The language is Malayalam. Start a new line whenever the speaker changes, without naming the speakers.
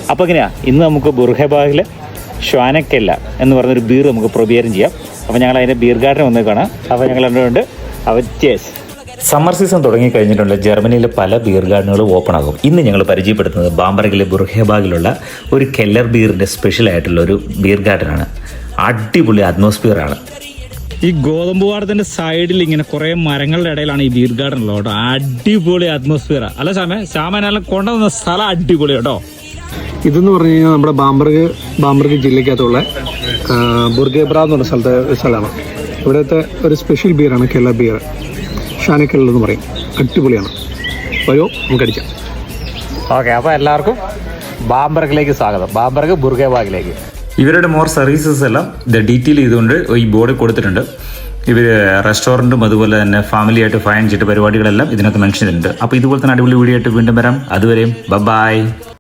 അപ്പോൾ എങ്ങനെയാണ് ഇന്ന് നമുക്ക് ബുർഹബാഗിലെ ഷ്വാനക്കെല്ല എന്ന് പറഞ്ഞൊരു ബീർ നമുക്ക് പ്രൊബിയറും ചെയ്യാം. അപ്പോൾ ഞങ്ങൾ അതിൻ്റെ ബീർ ഗാർഡൻ വന്ന് കാണാം. അപ്പോൾ ഞങ്ങൾ രണ്ടുകൊണ്ട് അവർ ചേസ്. സമ്മർ സീസൺ തുടങ്ങി കഴിഞ്ഞിട്ടുണ്ട്. ജർമ്മനിയിലെ പല ബീർ ഗാർഡനുകളും ഓപ്പൺ ആകും. ഇന്ന് ഞങ്ങൾ പരിചയപ്പെടുത്തുന്നത് ബാംബർഗിലെ ബുർഹബാഗിലുള്ള ഒരു കെല്ലർ ബീറിൻ്റെ സ്പെഷ്യൽ ആയിട്ടുള്ള ഒരു ബീർ ഗാർഡനാണ്. അടിപൊളി അറ്റ്മോസ്ഫിയർ ആണ്.
ഈ ഗോതമ്പ് പാടത്തിന്റെ സൈഡിൽ ഇങ്ങനെ കുറെ മരങ്ങളുടെ ഇടയിലാണ് ഈ ബീർ ഗാർഡൻ ഉള്ളത് കേട്ടോ. അടിപൊളി അറ്റ്മോസ്ഫിയർ അല്ല ശ്യാമനെല്ലാം കൊണ്ടുവന്ന സ്ഥലം അടിപൊളി കേട്ടോ.
ഇതെന്ന് പറഞ്ഞു കഴിഞ്ഞാൽ നമ്മുടെ ബാംബർഗ് ജില്ലയ്ക്കകത്തുള്ള ബുർഗേബ്ര എന്ന് പറഞ്ഞ സ്ഥലമാണ്. ഇവിടുത്തെ ഒരു സ്പെഷ്യൽ ബിയറാണ് കെല്ലർ ബിയർ. ഷാനക്കെല്ല എന്ന് പറയും. അടിപൊളിയാണ്. വരോ നമുക്ക് അടിക്കാം.
ഓക്കെ, അപ്പോൾ എല്ലാവർക്കും ബാംബർഗിലേക്ക് സ്വാഗതം. ബാംബർഗ് ബുർഗേബാഗിലേക്ക്.
ഇവരുടെ മോർ സർവീസസ് എല്ലാം ഇത് ഡീറ്റെയിൽ ചെയ്തുകൊണ്ട് ഈ ബോർഡ് കൊടുത്തിട്ടുണ്ട്. ഇവർ റെസ്റ്റോറൻറ്റും അതുപോലെ തന്നെ ഫാമിലി ആയിട്ട് ഫൈൻ ചെയ്തിട്ട് പരിപാടികളെല്ലാം ഇതിനകത്ത് മെൻഷൻ ചെയ്തിട്ടുണ്ട്. അപ്പോൾ ഇതുപോലെ തന്നെ അടിപൊളി വീഡിയോ ആയിട്ട് വീണ്ടും വരാം. അതുവരെയും ബൈ.